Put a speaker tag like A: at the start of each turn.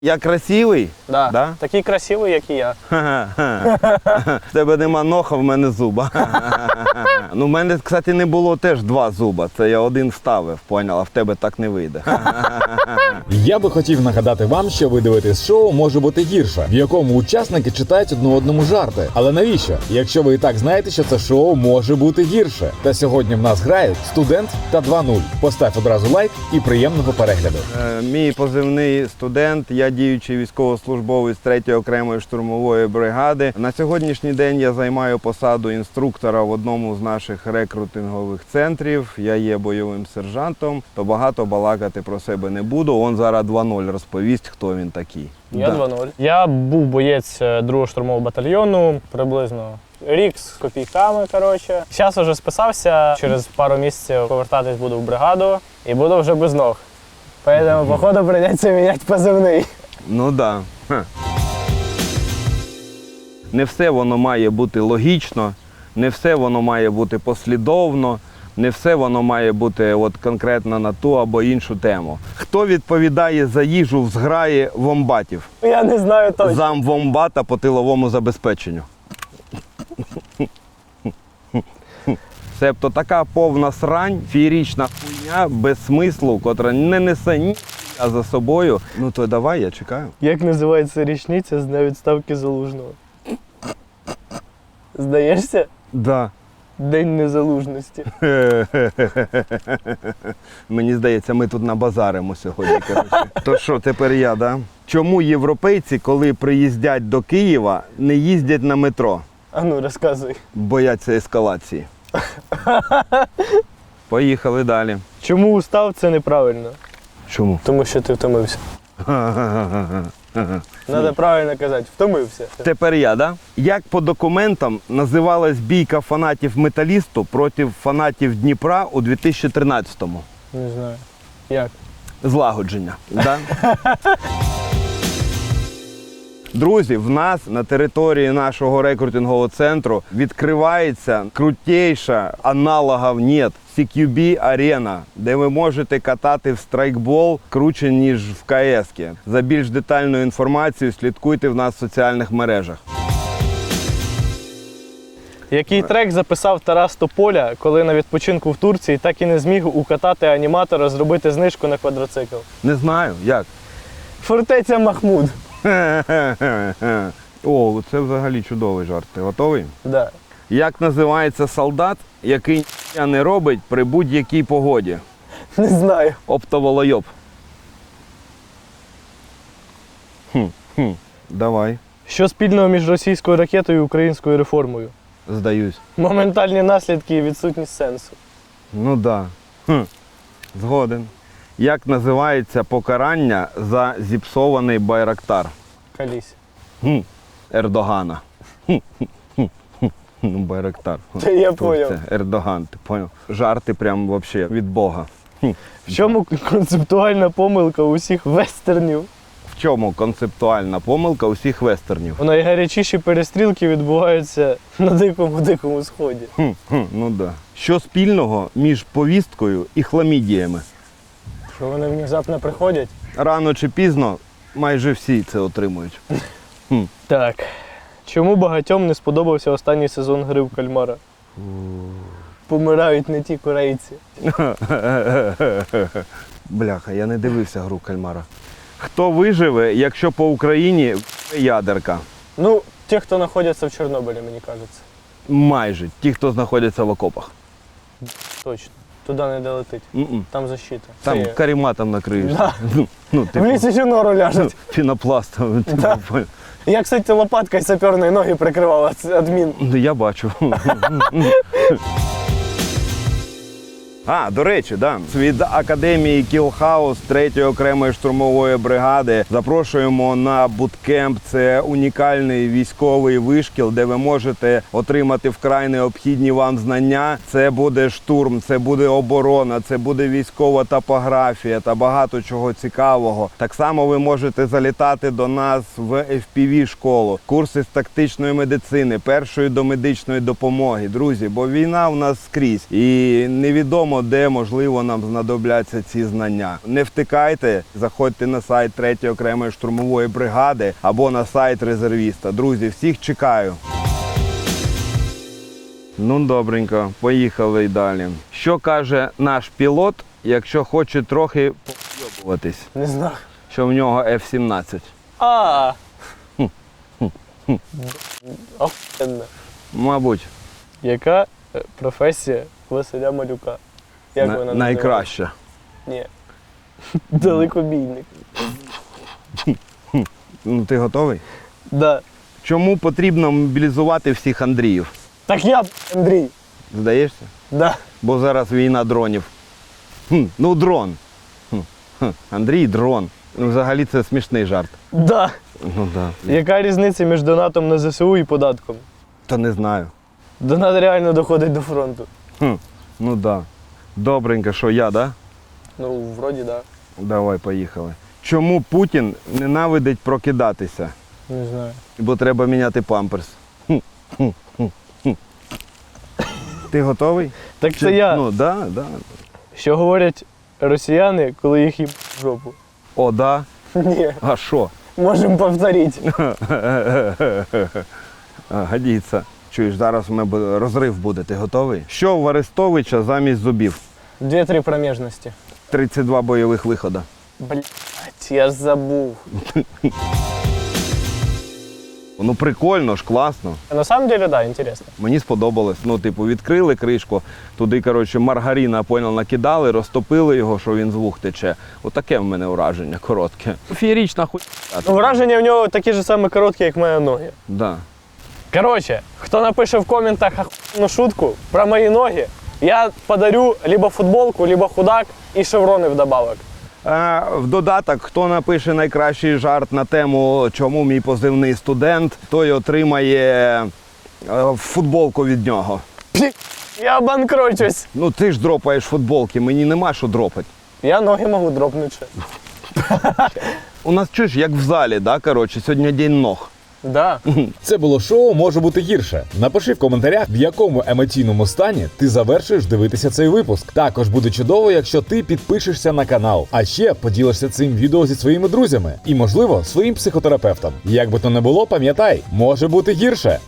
A: Я красивий?
B: Да.
A: Да?
B: Такий красивий, як і я.
A: В тебе нема ноха, в мене зуба. Ну, в мене, кстати, не було теж 2 зуба. Це я один вставив, поняв, а в тебе так не вийде.
C: Я би хотів нагадати вам, що ви дивитесь шоу «Може бути гірше», в якому учасники читають одне одному жарти. Але навіщо? Якщо ви і так знаєте, що це шоу може бути гірше. Та сьогодні в нас грають студент та 2-0. Постав одразу лайк і приємного перегляду.
A: Мій позивний студент, я діючий військовослужбовець 3-ї окремої штурмової бригади. На сьогоднішній день я займаю посаду інструктора в одному з наших рекрутингових центрів. Я є бойовим сержантом, то багато балакати про себе не буду. Он зараз 2-0 розповість, хто він такий.
B: Я 2-0. Я був боєць 2-го штурмового батальйону, приблизно рік з копійками, коротше. Зараз вже списався, через пару місяців повертатись буду в бригаду і буду вже без ног. Поэтому, походу, прийдеться міняти позивний.
A: Ну так. Да. Не все воно має бути логічно, не все воно має бути послідовно, не все воно має бути от конкретно на ту або іншу тему. Хто відповідає за їжу в зграї вомбатів?
B: Я не знаю точно.
A: Зам вомбата по тиловому забезпеченню. Себто така повна срань, феєрична хуйня, без смислу, котра не несе ні за собою. Ну то давай, я чекаю.
B: Як називається річниця з дня відставки Залужного? Здаєшся?
A: Да.
B: День незалужності.
A: Мені здається, ми тут набазаримо сьогодні. Коротше. То що, тепер я, да? Чому європейці, коли приїздять до Києва, не їздять на метро?
B: А ну, розказуй.
A: Бояться ескалації. Поїхали далі.
B: Чому устав – це неправильно?
A: Чому?
B: Тому що ти втомився. Треба правильно казати, втомився.
A: Тепер я, да? Як по документам називалась бійка фанатів Металісту проти фанатів Дніпра у 2013-му?
B: Не знаю. Як?
A: Злагодження, да? Друзі, в нас на території нашого рекрутингового центру відкривається крутейша, аналогів нет, CQB-арена, де ви можете катати в страйкбол круче, ніж в КС-ки. За більш детальною інформацією слідкуйте в нас в соціальних мережах.
B: Який трек записав Тарас Тополя, коли на відпочинку в Турції так і не зміг укатати аніматора зробити знижку на квадроцикл?
A: Не знаю, як?
B: Фортеця Махмуд.
A: О, це взагалі чудовий жарт. Ти готовий?
B: Да.
A: Як називається солдат, який ніхуя не робить при будь-якій погоді?
B: Не знаю.
A: Оптоволойоб. Давай,
B: Що спільного між російською ракетою і українською реформою?
A: здаюсь.
B: Моментальні наслідки і відсутність сенсу.
A: Ну да. Згоден. Як називається покарання за зіпсований байрактар?
B: Калісь.
A: Ердогана. Ну, байрактар.
B: Та я
A: Хто
B: поняв.
A: це? Ердоган, ти поняв? Жарти прям вообще від Бога.
B: В чому концептуальна помилка усіх вестернів?
A: В чому концептуальна помилка усіх вестернів?
B: Найгарячіші перестрілки відбуваються на дикому сході.
A: Ну да. Що спільного між повісткою і хламідіями?
B: Що вони внезапно приходять?
A: Рано чи пізно майже всі це отримують.
B: Так. Чому багатьом не сподобався останній сезон гри в кальмара? Помирають не ті корейці.
A: Бляха, я не дивився гру кальмара. Хто виживе, якщо по Україні ядерка?
B: Ну, ті, хто знаходяться в Чорнобилі, мені кажеться.
A: Майже. Ті, хто знаходяться в окопах.
B: Точно. Туди не долетить. Там защита.
A: Там
B: Це є.
A: карематом накриєш.
B: Да.
A: Ну,
B: В
A: типу,
B: лісі ще нору ляжуть.
A: пінопластом.
B: Да. Я, кстати, лопаткою саперної ноги прикривав від мін.
A: Я бачу. До речі, да. Від Академії Кілхаус 3-ї окремої штурмової бригади запрошуємо на буткемп. Це унікальний військовий вишкіл, де ви можете отримати вкрай необхідні вам знання. Це буде штурм, це буде оборона, це буде військова топографія та багато чого цікавого. Так само ви можете залітати до нас в FPV-школу, курси з тактичної медицини, першої домедичної допомоги. Друзі, бо війна у нас скрізь і невідомо, невідомо, де, можливо, нам знадобляться ці знання. Не втикайте, заходьте на сайт 3-ї окремої штурмової бригади або на сайт резервіста. Друзі, всіх чекаю. Ну, добренько, поїхали й далі. Що каже наш пілот, якщо хоче трохи поїбуватись?
B: Не знаю.
A: Що в нього F-17?
B: Охуєнно.
A: Мабуть,
B: Яка професія Василя Малюка? Як вона називається?
A: найкраща.
B: Ні. Далекобійник.
A: Ну, ти готовий?
B: Да.
A: Чому потрібно мобілізувати всіх Андріїв?
B: Так я, Андрій.
A: Здаєшся?
B: Да.
A: Бо зараз війна дронів. Ну, дрон. Андрій дрон. Ну, взагалі це смішний жарт.
B: Да.
A: Ну да.
B: Яка різниця між донатом на ЗСУ і податком?
A: Та не знаю.
B: Донат реально доходить до фронту.
A: Ну да. Добренько, що я, да?
B: Ну, вроді, да.
A: Давай, поїхали. Чому Путін ненавидить прокидатися?
B: Не знаю.
A: Бо треба міняти памперс. Ти готовий?
B: Так це я.
A: Ну, да, да.
B: Що говорять росіяни, коли їх їбуть в жопу?
A: О, да.
B: Ні,
A: А що?
B: можемо повторити.
A: Годиться. Чуєш, зараз у мене розрив буде. Ти готовий? Що в Арестовича замість зубів?
B: 2-3 проміжності.
A: 32 бойових виходи.
B: Блять, я ж забув.
A: Ну прикольно ж, класно.
B: На самом деле, да, интересно.
A: Мені сподобалось. Ну, типу, відкрили кришку, туди, коротше, маргарина, понял, накидали, розтопили його, що він з вух тече. Отаке в мене ураження коротке. Феєрічна хуйня.
B: Ну, враження в нього такі ж самі короткі, як мої ноги.
A: Да.
B: Коротше, хто напише в коментах охуєнну шутку про мої ноги, я подарю либо футболку, либо худак і шеврони вдобавок.
A: В додаток, хто напише найкращий жарт на тему, чому мій позивний студент, той отримає футболку від нього.
B: Я обанкрочусь.
A: Ну ти ж дропаєш футболки, мені нема що дропати.
B: Я ноги можу дропнути ще.
A: У нас чуєш, як в залі, да, коротше, сьогодні день ног.
B: Да.
C: Це було шоу може бути гірше. Напиши в коментарях, в якому емоційному стані ти завершуєш дивитися цей випуск. Також буде чудово, якщо ти підпишешся на канал, а ще поділишся цим відео зі своїми друзями і, можливо, своїм психотерапевтом. Як би то не було, пам'ятай, може бути гірше.